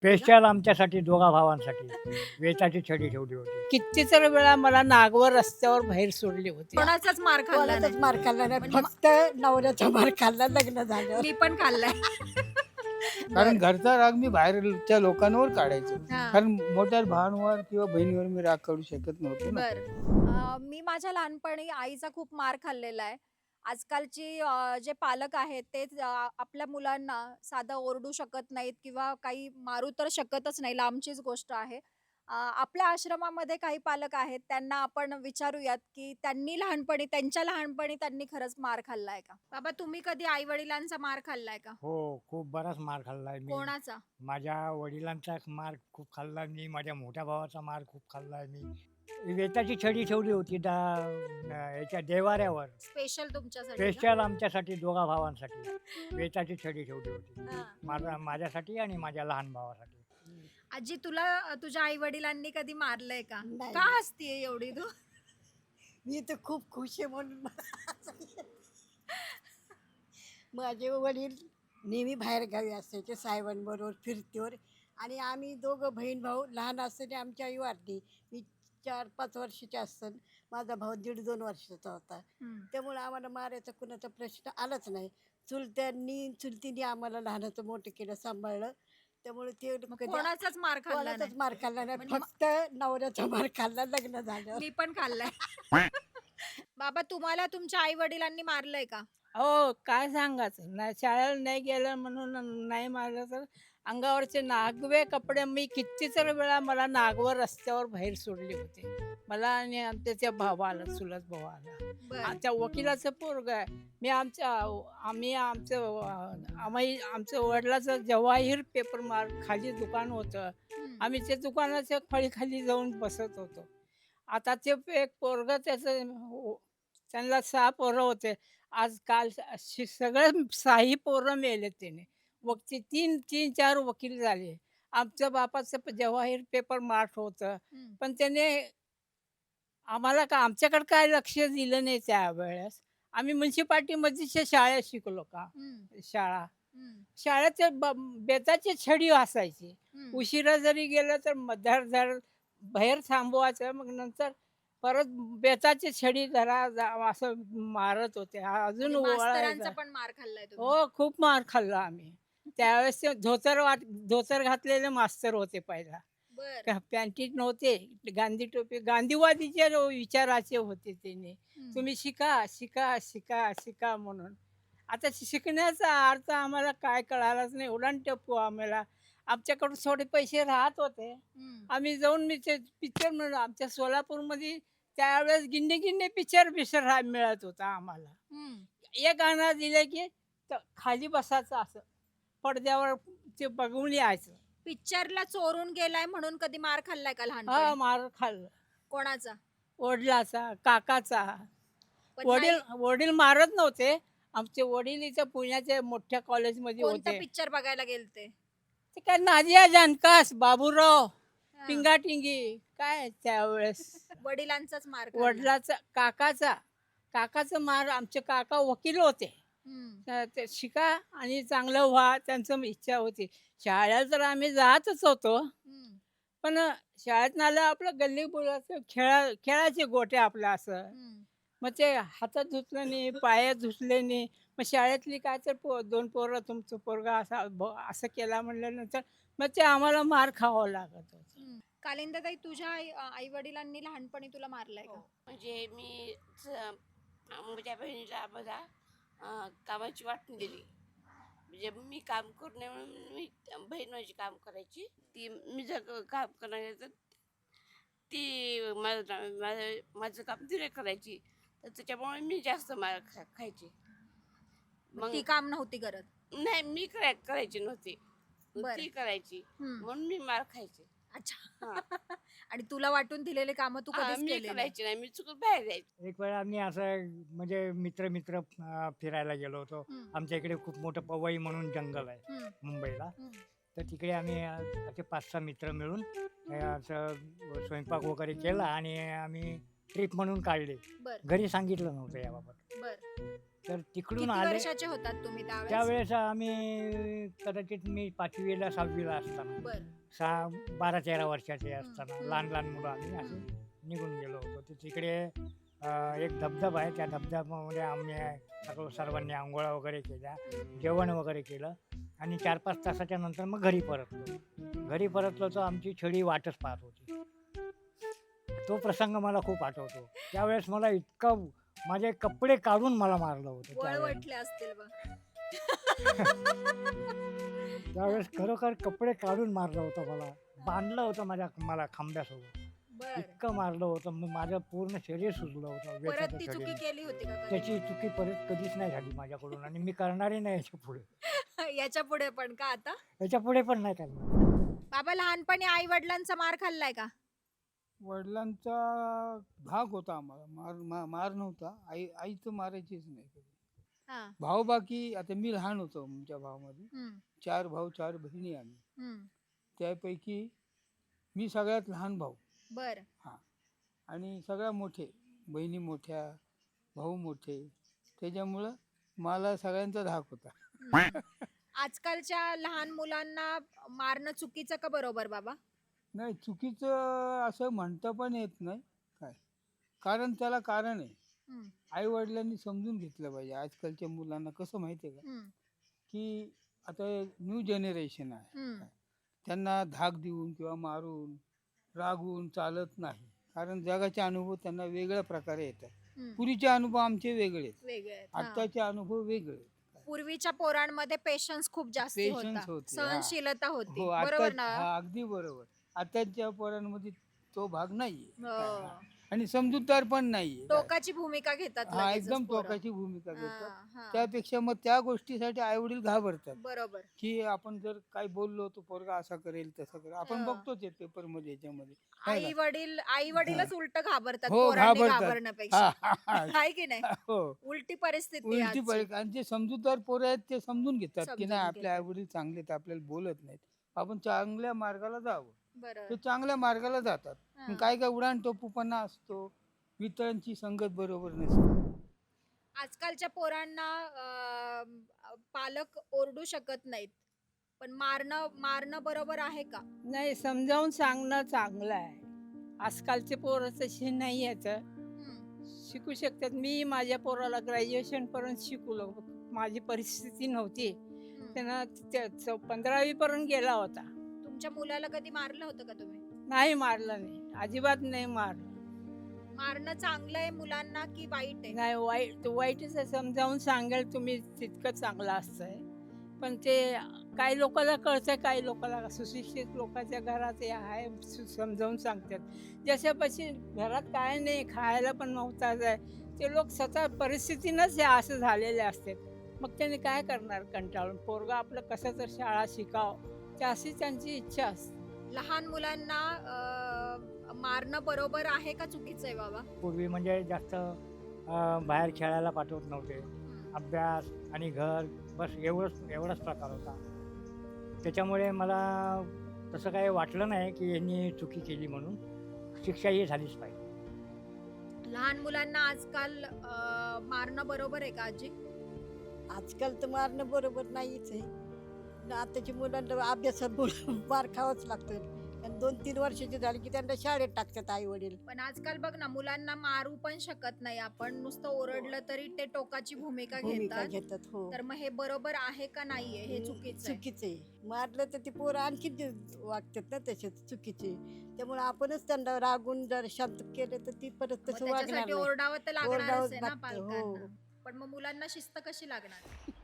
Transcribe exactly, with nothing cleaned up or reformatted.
Special आमच्यासाठी दोघा भावांसाठी वेताची छडी ठेवली होती. कितीतरी वेळा मला नागवर रस्त्यावर बाहेर सोडले होते. कोणाचाच मार खाल्ला कोणाचाच नाही. मार खाल्ला नाही, म्हणजे फक्त नवऱ्याचा मार खाल्ला लग्न झालं. मी पण खाल्लाय. कारण घरचा राग मी बाहेरच्या लोकांवर काढायचो. हा. कारण मोठ्या भावांवर किंवा बहिणीवर मी राग काढू शकत नव्हतो ना. बर अ, मी माझ्या लहानपणी आईचा खूप मार खाल्लेला आहे. आजकालची अ, जे पालक आहेत ते अ, आपल्या मुलांना साधं ओरडू शकत नाहीत किंवा काही मारू तर शकतच नाही, लांबचीच गोष्ट आहे. अ, आपल्या आश्रमामध्ये काही पालक आहेत, त्यांना आपण विचारूयात की त्यांनी लहानपणी त्यांच्या लहानपणी त्यांनी खरंच मार खाल्लाय का? बाबा, तुम्ही कधी आई वडिलांचा मार खाल्लाय का? हो, खूप बराच मार खाल्लाय मी. कोणाचा? माझ्या वडिलांचा मार खूप खाल्ला मी, माझ्या मोठ्या भावाचा मार खूप खाल्लाय मी. वेताची छडी ठेवली होती दा न याच्या देवाऱ्यावर. स्पेशल तुमच्यासाठी का? स्पेशल आमच्यासाठी दोघा भावांसाठी वेताची छडी ठेवली होती. हा. माझा माझ्यासाठी आणि माझ्या लहान भावासाठी. आजी, तुला अ, तुझ्या आई वडिलांनी कधी मारलंय का? नाही. का हसतीये एवढी तू? मी तर खूप खुश आहे म्हणून मला हसायला येतं. माझे वडील नेहमी बाहेर गावी असायचे, साहेबांबरोबर फिरतीवर. आणि आम्ही दोघं बहीण भाऊ लहान असताना आमची आई वारली. मी चार पाच वर्षाची असताना माझा भाऊ दीड दोन वर्षाचा होता. हम्म. त्यामुळे आम्हाला मारायचा कुणाचा प्रश्न आलाच नाही. चुलत्यांनी चुलतीने आम्हाला लहानाचं मोठं केलं, सांभाळलं. त्यामुळे ते मग कधी कोणाचाच मार खाल्ला कोणाचाच नाही. मार खाल्ला नाही, म्हणजे फक्त नवऱ्याचा मार खाल्ला लग्न झालं. मी पण खाल्लाय. बाबा, तुम्हाला तुमच्या आई वडिलांनी मारलंय का? हो, काय सांगायचं नाही, शाळेला नाही गेलं म्हणून नाही मारलं तर अंगावरचे नागवे कपडे मी कितीतरी वेळा मला नागवर रस्त्यावर बाहेर सोडले होते. मला आणि आमच्या त्या भावाला, चुलत भावाला. बर आमच्या वकिलाचं पोरग आहे. मी आमच्या आम्ही आमचं अं, आम्ही आमचं वडिलाचं जवाहीर पेपर मार्क खाली दुकान होतं. आम्ही त्या दुकानाच्या फळीखाली जाऊन बसत होतो. आता ते एक पोरग त्याचं हो, त्यांना सहा पोरं होते. आज काल अशी सगळे सहाही पोरं मेले त्याने. वकील तीन तीन चार वकील झाले. आमच्या बापाचं प- जवाहीर पेपर मार्ट होतं. पण त्याने आम्हाला का आमच्याकडे काय लक्ष दिलं नाही त्यावेळेस. आम्ही म्युन्सिपाल्टीमध्येच्या शाळेत शिकलो का शाळा. शाळेत ते ब बेताची छडी असायची. उशिरा जरी गेलं तर मधार धर बाहेर थांबवायचं, मग नंतर परत बेताची छडी धरा जा- असं मारत होते. आ- अजून मास्तरांचा ओळायचं. पण मार खाल्लाय तुम्ही? हो, खूप मार खाल्ला आम्ही. त्यावेळेस ते धोतर वाट धोतर घातलेले मास्तर होते पहिला. बर का पॅन्टीत नव्हते, गांधी टोपी गांधीवादीचे रो- विचाराचे होते त्याने. हम्म. तुम्ही शिका शिका शिका शिका म्हणून. आता शिकण्याचा अर्थ आम्हाला काय कळालाच नाही. उडान टप्पू आम्हाला. आमच्याकडून थोडे पैसे राहत होते. हम्म. आम्ही जाऊन मी ते पिक्चर म्हणून आमच्या सोलापूरमध्ये त्यावेळेस गिंडे गिंडे पिक्चर पिक्चर हा मिळत होता आम्हाला. हम्म. एक गाणं दिलं की त- खाली बसायचं असं पडद्यावर ते बघून यायचं. पिक्चरला चोरून गेलाय म्हणून कधी मार खाल्लाय का हा, लहानपणी? मार खाल्लं. कोणाचा? वडिलाचा, काकाचा. पण वडील नाही, वडील मारत नव्हते. आमचे वडील इथं पुण्याच्या मोठ्या कॉलेजमध्ये कोणता होते. पिक्चर बघायला गेलते? ते काय नादिया जानकास, बाबूराव, हा. टिंगाटिंगी काय त्यावेळेस. वडिलांचाच मार खाल्ला. वडिलाचा, काकाचा काकाचा मार. आमचे काका वकील होते. हम्म. तर ते शिका आणि चांगलं व्हा त्यांचं इच्छा होती. शाळेला तर आम्ही जातच होतो. हम्म. पण शाळेत आलं आपलं गल्ली बोलायचं, खेळा खेळाचे गोटे आपलं असं. हम्म. मग ते हातात धुतलं नाही, पायात धुतले नाही. मग शाळेतली काय तर पो दोन पोरं तुमचं पोरगा असा ब असं केला म्हणल्यानंतर मग ते आम्हाला मार खावं लागत होतं. हम्म. कालिंदाताई, तुझ्या आई वडिलांनी लहानपणी तुला मारलंय का? म्हणजे मी च- माझ्या बहिणीला मला अं, कामाची वाटून दिली. म्हणजे मी काम करू नये म्हणून मी बहीण माझी काम करायची. ती मी जर क- काम करायला तर ती माझं माझं माझं काम तिने करायची. तर त्याच्यामुळे मी जास्त मार खा खायची. मग ती काम नव्हती करत? नाही, मी कराय करायची नव्हती, बरं. ती करायची. हम्म. म्हणून मी मार खायची. अच्छा. हा. आणि तुला वाटून दिलेले काम तू हा, कधीच मी केले नाही? करायची नाही, मी चुकून बाहेर जायची. एक वेळा आम्ही असं म्हणजे मित्र मित्र अं, फिरायला गेलो होतो. हम्म. आमच्या इकडे खूप मोठं पवई म्हणून जंगल आहे हम्म. मुंबईला. हम्म. तर तिकडे आम्ही अं, असे पाच सहा मित्र मिळून अं, असं स्वयंपाक वगैरे केला आणि आम्ही ट्रिप म्हणून काढले. बर घरी सांगितलं नव्हतं याबाबत. बर तर तिकडून किती आले. वर्षाचे होतात तुम्ही त्यावेळेस? त्यावेळेस आम्ही कदाचित मी पाचवीला सहावीला असताना बर सहा बारा तेरा वर्षाचे असताना हम्म. लहान लहान मुलं आम्ही असे निघून गेलो होतो. तर तिकडे अं, एक धबधबा आहे. त्या धबधब्यामध्ये आम्ही सगळं सर्वांनी आंघोळा वगैरे केल्या, जेवण वगैरे केलं आणि चार पाच तासाच्या नंतर मग घरी परतलो. घरी परतलो तर आमची छडी वाटच पाहत होती. तो प्रसंग मला खूप आठवतो. त्यावेळेस मला इतकं माझे कपडे काढून मला मारलं होतं त्यावेळेस. वळवटले असतील बघ. त्यावेळेस खरोखर कपडे काढून मारलं होतं मला. बांधलं होतं माझ्या मला खांब्यासोबत. बर इतकं मारलं होतं मग माझं पूर्ण शरीर सुजलं होतं परत वेताच्या ती चुकी छडीने. केली होती का कधी? त्याची चुकी परत कधीच नाही झाली माझ्याकडून आणि मी करणारही नाही याच्या पुढे. याच्या पुढे पण का आता? याच्या पुढे पण नाही करणार. बाबा लहानपणी आई वडिलांचा मार खाल्लाय का? वडिलांचा भाग होता आम्हाला, मार मा- मार नव्हता. आई आई तर मारायचीच नाही कधी. हा भाऊ बाकी, आता मी लहान होतो आमच्या भावामध्ये. हम्म, चार भाऊ चार बहिणी आम्ही. हम्म. त्यापैकी मी सगळ्यात लहान भाऊ बर आणि सगळ्या मोठे, बहिणी मोठ्या, भाऊ मोठे. त्याच्यामुळं मला सगळ्यांचा धाक होता. हम्म. आजकालच्या लहान मुलांना मारणं चुकीचं का बरोबर बाबा? नाही, चुकीचं असं म्हणता पण येत नाही काय, कारण त्याला कारण आहे. हम्म, आई वडिलांनी समजून घेतलं पाहिजे. आजकालच्या मुलांना कसं माहिती आहे का, हम्म, की आता न्यू जनरेशन आहे, हम्म. त्यांना धाक देऊन किंवा मारून रागवून चालत नाही. कारण जगाचे अनुभव त्यांना वेगळ्या प्रकारे येतात. हम्म. पूर्वीचे अनुभव आमचे वेगळे आहेत, वेगळे आहेत, हा. आत्ताचे अनुभव वेगळे आहेत. पूर्वीच्या पोरांमध्ये पेशन्स खूप जास्त Patience होता, होते, हा. सहनशीलता होती. हो, बरोबर आता ना? हा अगदी बरोबर. आताच्या पोरांमध्ये तो भाग नाहीये हो. काय, हा. आणि समजूतदार पण नाहीये काय. टोकाची भूमिका घेतात हा लगेचच एकदम पोरं. टोकाची भूमिका हा, घेतात. हा. त्यापेक्षा मग त्या गोष्टीसाठी आई वडील घाबरतात, बरोबर. की आपण जर काही बोललो तो पोरगा असा करेल तसा करेल. आपण हा. बघतोच पेपर मध्ये याच्यामध्ये है आई ना? वडील आई वडीलच उलट घाबरतात हो, पोरांनी घाबरतात. घाबरण्यापेक्षा. हा, हा, हा. आहे की नाही? हो, उलटी परिस्थिती आहे उलटी आजची. परी. आणि जे समजूतदार पोरं आहेत ते समजून घेतात, की समजून नाही आपले घेतात. आई वडील चांगले आहेत, आपल्याला बोलत नाहीत, आपण चांगल्या मार्गाला जावं. बरं. ते चांगल्या मार्गाला जातात. हा. पण काय काय उडाण टोपूपणा असतो, मित्रांची संगत बरोबर नसते. आजकालच्या पोरांना अं, पालक ओरडू शकत नाहीत, पण मारणं मारणं बरोबर आहे का? नाही, समजावून सांगणं चांगलं आहे. आजकालचे पोरं तशी नाही आहेत. हम्म, शिकू शकतात. मी माझ्या पोराला ग्रॅज्युएशन पर्यंत शिकवलं. माझी परिस्थिती नव्हती. हम्म. त्यांना पंधरावी पर्यंत गेला होता. तुमच्या मुलाला कधी मारलं होतं का तुम्ही? नाही मारलं नाही, अजिबात नाही मारलं. मारणं चांगलं आहे मुलांना की वाईट आहे? नाही, वाईट वाईटच आहे. समजावून सांगाल तुम्ही तितकं चांगलं असतंय. पण ते काही लोकांना कळतंय, काही लोकांना सुशिक्षित लोकांच्या घरात हे आहे, सु- समजावून सांगतात. जशापाशी घरात काय नाही, खायला पण नव्हताच आहे, ते लोक स्वतः परिस्थितीनंच हे असं झालेले असतात. मग त्यांनी काय करणार कंटाळून? पोरगा आपलं कसं तर शाळा शिकावं, ते अशी त्यांची इच्छा असते. लहान मुलांना अं, मारणं बरोबर आहे का चुकीचं आहे बाबा? पूर्वी म्हणजे जास्त अं, बाहेर खेळायला पाठवत नव्हते. हम्म. अभ्यास आणि घर बस एवढंच एवढाच प्रकार होता. त्याच्यामुळे मला तसं काही वाटलं नाही की यांनी चुकी केली म्हणून. शिक्षा ही झालीच पाहिजे. लहान मुलांना आजकाल अं, मारणं बरोबर आहे का आजी? आजकाल तर मारणं बरोबर नाहीच आहे. न आताच्या मुलांना अभ्यासात बोल- मार खावाच लागतो. आणि दोन तीन वर्षाचे झाले की त्यांना शाळेत टाकतात आई वडील. पण आजकाल बघ ना, मुलांना मारू पण शकत नाही आपण. नुसतं ओरडलं तरी ते टोकाची भूमिका भूमिका घेतात. घेतात. हो, तर मग हे बरोबर आहे का नाहीये? हे चुकीचं आहे. चुकीचं आहे. मारलं तर ते पोरं आणखी वागतात ना तसेच चुकीचे. त्यामुळे आपणच त्यांना रागून जर शांत केलं तर ती परत मग तसं वागणार त्याच्यासाठी नाही. ओरडावं तर लागणारच ओरडावंच आहे ना लागतं, हो. पालकांना. पण मग मुलांना शिस्त कशी लागणार?